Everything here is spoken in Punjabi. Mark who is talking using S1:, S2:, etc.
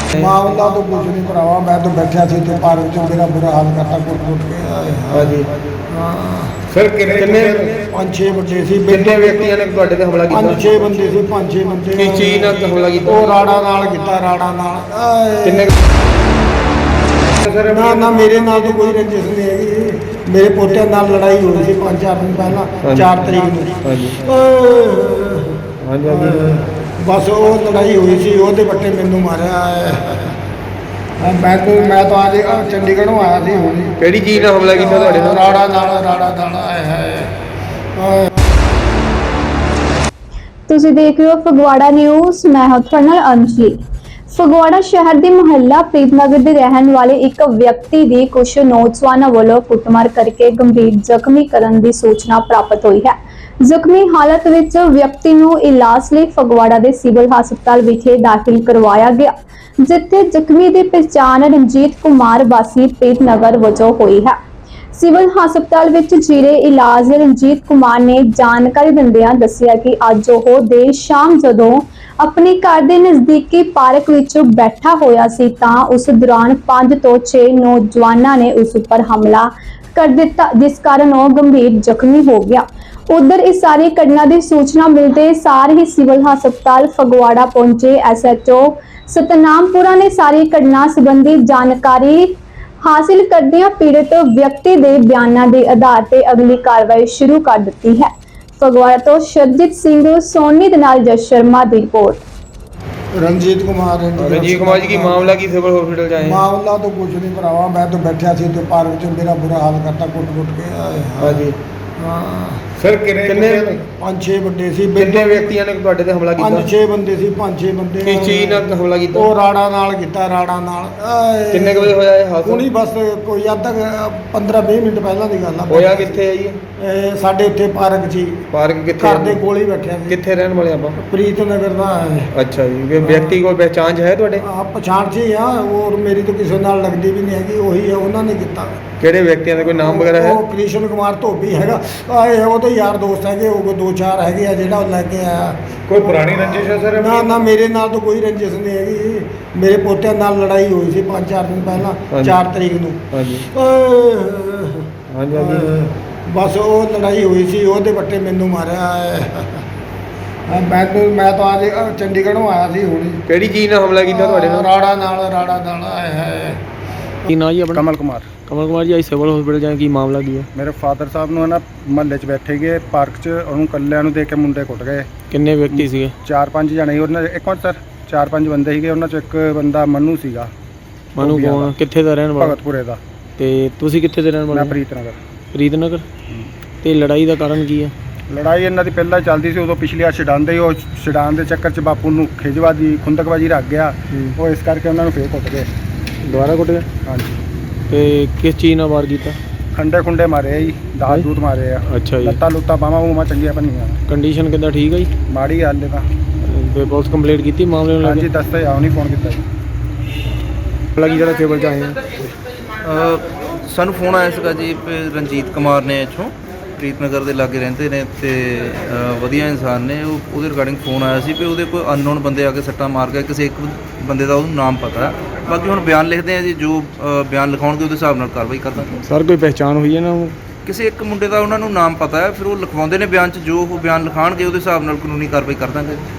S1: ਮਾਮਲਾ ਤਾਂ ਕੁਝ ਨਹੀਂ ਭਰਾਵਾ, ਮੈਂ ਤਾਂ ਬੈਠਿਆ ਸੀ ਤੇ ਪਾਰਕ 'ਚ ਮੇਰਾ ਬੁਰਾ ਹਾਲ ਕਰਤਾ ਕੁੱਟ ਕੇ।
S2: ਹਾਂਜੀ
S1: ਹਾਂ
S2: ਸਰ ਕਿੰਨੇ
S1: 5-6 ਬੰਦੇ ਸੀ।
S2: ਕਿੰਨੇ ਵਿਅਕਤੀਆਂ ਨੇ ਤੁਹਾਡੇ ਤੇ ਹਮਲਾ ਕੀਤਾ?
S1: 5-6 ਬੰਦੇ ਸੀ, 5-6 ਬੰਦੇ।
S2: ਕਿਸ ਚੀਜ਼ ਨਾਲ ਹਮਲਾ ਕੀਤਾ?
S1: ਉਹ ਰਾੜਾ ਨਾਲ ਕੀਤਾ, ਰਾੜਾ ਨਾਲ।
S2: ਕਿੰਨੇ
S1: ਨਾ ਨਾ ਮੇਰੇ ਨਾਲ ਤਾਂ ਕੋਈ ਰੰਜਿਸ਼ ਨਹੀਂ ਹੈਗੀ। ਮੇਰੇ ਪੋਤਿਆਂ ਨਾਲ ਲੜਾਈ ਹੋਈ ਸੀ 5-4 ਦਿਨ ਪਹਿਲਾਂ, 4 ਤਰੀਕ ਨੂੰ।
S2: ਹਾਂਜੀ ਹਾਂਜੀ
S1: ਬਸ ਉਹ ਲੜਾਈ ਹੋਈ ਸੀ, ਉਹਦੇ ਵੱਟੇ ਮੈਨੂੰ ਮਾਰਿਆ ਹੈ। ਮੈਂ ਤਾਂ ਅੱਜ ਚੰਡੀਗੜ੍ਹੋਂ ਆਇਆ ਸੀ ਹੁਣ।
S2: ਕਿਹੜੀ ਚੀਜ਼ ਨਾਲ ਹਮਲਾ ਕੀਤਾ ਤੁਹਾਡੇ ਨਾਲ?
S1: ਰਾੜਾ ਨਾਲ ਹੈ।
S3: ਤੁਸੀਂ ਦੇਖ ਰਹੇ ਹੋ ਫਗਵਾੜਾ ਨਿਊਜ਼। ਮੈਂ ਹਾਂ ਤੁਹਾਡੇ ਨਾਲ ਅੰਜਲੀ। ਫਗਵਾੜਾ ਸ਼ਹਿਰ ਦੇ ਮੁਹੱਲਾ ਪ੍ਰੀਤਨਗਰ ਦੇ ਰਹਿਣ ਵਾਲੇ ਇੱਕ ਵਿਅਕਤੀ ਦੀ ਕੁਝ ਨੌਜਵਾਨਾਂ ਵੱਲੋਂ ਕੁੱਟਮਾਰ ਕਰਕੇ ਗੰਭੀਰ ਜ਼ਖਮੀ ਕਰਨ ਦੀ ਸੂਚਨਾ ਪ੍ਰਾਪਤ ਹੋਈ ਹੈ। ਜ਼ਖਮੀ ਹਾਲਤ ਵਿੱਚ ਵਿਅਕਤੀ ਨੂੰ ਇਲਾਜ ਲਈ ਫਗਵਾੜਾ ਦੇ ਸਿਵਲ ਹਸਪਤਾਲ ਵਿਖੇ ਦਾਖਲ ਕਰਵਾਇਆ ਗਿਆ, ਜਿੱਥੇ ਜ਼ਖਮੀ ਦੀ ਪਛਾਣ ਰਣਜੀਤ ਕੁਮਾਰ ਵਾਸੀ ਪ੍ਰੀਤਨਗਰ ਵਜੋਂ ਹੋਈ ਹੈ। ਸਿਵਲ ਹਸਪਤਾਲ ਵਿੱਚ ਜੀਰੇ ਇਲਾਜ ਰਣਜੀਤ ਕੁਮਾਰ ਨੇ ਜਾਣਕਾਰੀ ਦਿੰਦਿਆਂ ਦੱਸਿਆ ਕਿ ਅੱਜ ਉਹ ਦੇਰ ਸ਼ਾਮ ਜਦੋਂ ਆਪਣੇ ਘਰ ਦੇ ਨਜ਼ਦੀਕੀ ਪਾਰਕ ਵਿੱਚ ਬੈਠਾ ਹੋਇਆ ਸੀ ਤਾਂ ਉਸ ਦੌਰਾਨ 5 ਤੋਂ 6 ਨੌਜਵਾਨਾਂ ਨੇ ਉਸ ਉੱਪਰ ਹਮਲਾ ਕਰ ਦਿੱਤਾ, ਜਿਸ ਕਾਰਨ ਉਹ ਗੰਭੀਰ ਜ਼ਖਮੀ ਹੋ ਗਿਆ। ਉਧਰ ਇਸ ਸਾਰੀ ਘਟਨਾ ਦੀ ਸੂਚਨਾ ਮਿਲਦੇ ਸਾਰ ਹੀ ਸਿਵਲ ਹਸਪਤਾਲ ਫਗਵਾੜਾ ਪਹੁੰਚੇ SHO ਸਤਨਾਮਪੁਰਾ ਨੇ ਸਾਰੀ ਘਟਨਾ ਸੰਬੰਧੀ ਜਾਣਕਾਰੀ ਹਾਸਿਲ ਕਰਦਿਆਂ ਪੀੜਤ ਵਿਅਕਤੀ ਦੇ ਬਿਆਨਾਂ ਦੇ ਆਧਾਰ ਤੇ ਅਗਲੀ ਕਾਰਵਾਈ ਸ਼ੁਰੂ ਕਰ ਦਿੱਤੀ ਹੈ। ਫਗਵਾੜਾ ਤੋਂ ਸ਼ਰਜੀਤ ਸਿੰਘ ਸੋਨੀ ਦੇ ਨਾਲ ਜਸ ਸ਼ਰਮਾ ਦੀ ਰਿਪੋਰਟ।
S1: ਰਣਜੀਤ ਕੁਮਾਰ
S2: ਜੀ ਕੀ ਮਾਮਲਾ ਕੀ ਸਿਵਲ ਹਸਪੀਟਲ ਚ ਆਏ?
S1: ਮਾਮਲਾ ਤਾਂ ਕੁਝ ਨਹੀਂ ਭਰਾਵਾ, ਮੈਂ ਤਾਂ ਬੈਠਿਆ ਸੀ ਤੇ ਪਾਰਕ 'ਚ ਮੇਰਾ ਬੁਰਾ ਹਾਲ ਕਰਤਾ ਕੁੱਟ ਕੇ।
S2: ਹਾਂਜੀ
S1: ਹਾਂ
S2: ਸਰ ਕਿੰਨੇ
S1: 5-6 ਬੰਦੇ ਸੀ।
S2: ਕਿੰਨੇ ਵਿਅਕਤੀਆਂ ਨੇ ਤੁਹਾਡੇ ਤੇ ਹਮਲਾ ਕੀਤਾ?
S1: 5-6 ਬੰਦੇ ਸੀ, 5-6 ਬੰਦੇ।
S2: ਕਿਸ ਚੀਜ਼ ਨਾਲ ਹਮਲਾ ਕੀਤਾ?
S1: ਉਹ ਰਾੜਾ ਨਾਲ ਕੀਤਾ, ਰਾੜਾ ਨਾਲ।
S2: ਕਿੰਨੇ ਕੁ ਵਜੇ ਹੋਇਆ ਇਹ ਹਾਦਸਾ?
S1: ਹੁਣੀ ਬਸ ਕੋਈ ਅੱਧਾ 15-20 ਮਿੰਟ ਪਹਿਲਾਂ ਦੀ ਗੱਲ ਆ।
S2: ਹੋਇਆ ਕਿੱਥੇ ਹੈ ਜੀ?
S1: ਸਾਡੇ ਇੱਥੇ ਪਾਰਕ 'ਚ ਹੀ।
S2: ਪਾਰਕ ਕਿੱਥੇ?
S1: ਘਰ ਦੇ ਕੋਲ ਹੀ ਬੈਠਿਆ ਸੀ।
S2: ਕਿੱਥੇ ਰਹਿਣ ਵਾਲੇ ਆਪਾਂ?
S1: ਪ੍ਰੀਤਨਗਰ ਦਾ ਹੈ।
S2: ਅੱਛਾ ਜੀ। ਵਿਅਕਤੀ ਕੋਈ ਪਹਿਚਾਣ 'ਚ ਹੈ ਤੁਹਾਡੇ?
S1: ਪਛਾਣ ਸੀ ਆ, ਔਰ ਮੇਰੀ ਤਾਂ ਕਿਸੇ ਨਾਲ ਲੱਗਦੀ ਵੀ ਨਹੀਂ ਹੈਗੀ। ਉਹੀ ਹੈ, ਉਹਨਾਂ ਨੇ ਕੀਤਾ।
S2: ਕਿਹੜੇ ਵਿਅਕਤੀਆਂ ਦਾ ਕੋਈ ਨਾਮ ਵਗੈਰਾ ਹੈ?
S1: ਉਹ ਕ੍ਰਿਸ਼ਨ ਕੁਮਾਰ ਧੋਬੀ ਹੈਗਾ। ਉਹ ਤਾਂ ਯਾਰ ਦੋਸਤ ਹੈਗੇ, ਉਹ 2-4 ਹੈਗੇ ਆ ਜਿਹੜਾ ਉਹ ਲੈ ਕੇ ਆਇਆ।
S2: ਕੋਈ ਪੁਰਾਣੀ ਰੰਜਿਸ਼ ਹੈ ਸਰ?
S1: ਨਾ ਮੇਰੇ ਨਾਲ ਤਾਂ ਕੋਈ ਰੰਜਿਸ਼ ਨਹੀਂ ਹੈਗੀ। ਮੇਰੇ ਪੋਤਿਆਂ ਨਾਲ ਲੜਾਈ ਹੋਈ ਸੀ 5-4 ਦਿਨ ਪਹਿਲਾਂ, 4 ਤਰੀਕ ਨੂੰ।
S2: ਹਾਂਜੀ ਹਾਂਜੀ
S1: ਬਸ ਉਹ ਲੜਾਈ ਹੋਈ ਸੀ, ਉਹਦੇ ਵੱਟੇ ਮੈਨੂੰ ਮਾਰਿਆ ਹੈ। ਮੈਂ ਤਾਂ ਅੱਜ ਚੰਡੀਗੜ੍ਹੋਂ ਆਇਆ ਸੀ ਹੁਣ।
S2: ਕਿਹੜੀ ਚੀਜ਼ ਨਾਲ ਹਮਲਾ ਕੀਤਾ ਤੁਹਾਡੇ ਨਾਲ?
S1: ਰਾੜਾ ਨਾਲ ਹੈ।
S2: ਕੀ ਨਾਂ ਜੀ ਆਪਣਾ?
S4: ਕਮਲ ਕੁਮਾਰ
S2: ਜੀ ਅੱਜ ਸਿਵਲ ਹਸਪੀਟਲ ਜਾਏ, ਕੀ ਮਾਮਲਾ ਕੀ ਹੈ?
S4: ਮੇਰੇ ਫਾਦਰ ਸਾਹਿਬ ਨੂੰ ਨਾ ਮਹੱਲੇ 'ਚ ਬੈਠੇ ਗਏ ਪਾਰਕ 'ਚ, ਉਹਨੂੰ ਕੱਲਿਆਂ ਨੂੰ ਦੇਖ ਕੇ ਮੁੰਡੇ ਕੁੱਟ ਗਏ।
S2: ਕਿੰਨੇ ਵਿਅਕਤੀ ਸੀਗੇ?
S4: 4-5 ਜਣੇ ਸੀ ਉਹਨਾਂ 'ਚ। ਇੱਕ ਮਿੰਟ ਸਰ, 4-5 ਬੰਦੇ ਸੀਗੇ ਉਹਨਾਂ 'ਚ। ਇੱਕ ਬੰਦਾ ਮਨੂ ਸੀਗਾ।
S2: ਮਨੂ ਕੌਣ? ਕਿੱਥੇ ਦਾ ਰਹਿਣ ਵਾਲਾ?
S4: ਭਗਤਪੁਰੇ ਦਾ।
S2: ਤੇ ਤੁਸੀਂ ਕਿੱਥੇ ਦੇ ਰਹਿਣ ਵਾਲੇ?
S4: ਮੈਂ ਪ੍ਰੀਤਨਗਰ।
S2: ਪ੍ਰੀਤਨਗਰ। ਤੇ ਲੜਾਈ ਦਾ ਕਾਰਨ ਕੀ ਹੈ?
S4: ਲੜਾਈ ਇਹਨਾਂ ਦੀ ਪਹਿਲਾਂ ਚੱਲਦੀ ਸੀ, ਉਦੋਂ ਪਿਛਲੀ ਆ ਛਡਾਉਂਦੇ ਹੀ, ਉਹ ਛਡਾਉਣ ਦੇ ਚੱਕਰ 'ਚ ਬਾਪੂ ਨੂੰ ਖਿਜਵਾਦੀ ਖੁੰਦਕਬਾਜੀ ਰੱਖ ਗਿਆ। ਉਹ ਇਸ ਕਰਕੇ ਉਹਨਾਂ ਨੂੰ ਫੇਰ ਕੁੱਟ ਗਏ।
S2: ਦੁਬਾਰਾ ਕੁੱਟ ਗਏ?
S4: ਹਾਂਜੀ।
S2: ਤੇ ਕਿਸ ਚੀਜ਼ ਨਾਲ ਵਾਰ ਕੀਤਾ?
S4: ਖੰਡੇ ਮਾਰੇ ਆ ਜੀ, ਦਾਤ ਦੂਤ ਮਾਰੇ ਆ।
S2: ਅੱਛਾ ਜੀ।
S4: ਲੱਤਾਂ ਲੁੱਤਾਂ ਬਾਹਾਂ ਬੂਹਾਂ ਚੰਗੀਆਂ ਬਣੀਆਂ।
S2: ਕੰਡੀਸ਼ਨ ਕਿੱਦਾਂ, ਠੀਕ ਹੈ ਜੀ?
S4: ਮਾੜੀ ਗੱਲ ਹੈ ਤਾਂ।
S2: ਤੇ ਪੁਲਿਸ ਕੰਪਲੇਂਟ ਕੀਤੀ ਮਾਮਲੇ ਨੂੰ?
S4: ਹਾਂਜੀ ਦੱਸਦੇ ਆ, ਉਹਨੇ ਫੋਨ ਕੀਤਾ ਜੀ।
S2: ਲੱਗੀ ਜਿਹੜਾ ਸਿਵਲ ਚ ਆਏ ਆ।
S5: ਸਾਨੂੰ ਫੋਨ ਆਇਆ ਸੀਗਾ ਜੀ ਰਣਜੀਤ ਕੁਮਾਰ ਨੇ ਇੱਥੋਂ ਪ੍ਰੀਤਨਗਰ ਦੇ ਲਾਗੇ ਰਹਿੰਦੇ ਨੇ ਤੇ ਵਧੀਆ ਇਨਸਾਨ ਨੇ। ਉਹਦੇ ਰਿਗਾਰਡਿੰਗ ਫੋਨ ਆਇਆ ਸੀ ਕਿ ਉਹਦੇ ਕੋਈ ਅਨਨੋਨ ਬੰਦੇ ਆ ਕੇ ਸੱਟਾਂ ਮਾਰ ਗਏ। ਕਿਸੇ ਇੱਕ ਬੰਦੇ ਦਾ ਉਹਨੂੰ ਨਾਮ ਪਤਾ। ਬਾਕੀ ਹੁਣ ਬਿਆਨ ਲਿਖਦੇ ਆ ਜੀ, ਜੋ ਬਿਆਨ ਲਿਖਾਉਣਗੇ ਉਹਦੇ ਹਿਸਾਬ ਨਾਲ ਕਾਰਵਾਈ ਕਰ ਦਾਂਗੇ।
S2: ਸਰ ਕੋਈ ਪਹਿਚਾਣ ਹੋਈ ਹੈ ਨਾ?
S5: ਕਿਸੇ ਇੱਕ ਮੁੰਡੇ ਦਾ ਉਹਨਾਂ ਨੂੰ ਨਾਮ ਪਤਾ ਹੈ, ਫਿਰ ਉਹ ਲਿਖਵਾਉਂਦੇ ਨੇ ਬਿਆਨ 'ਚ। ਜੋ ਉਹ ਬਿਆਨ ਲਿਖਾਣਗੇ ਉਹਦੇ ਹਿਸਾਬ ਨਾਲ ਕਾਨੂੰਨੀ ਕਾਰਵਾਈ ਕਰ ਦਾਂਗੇ।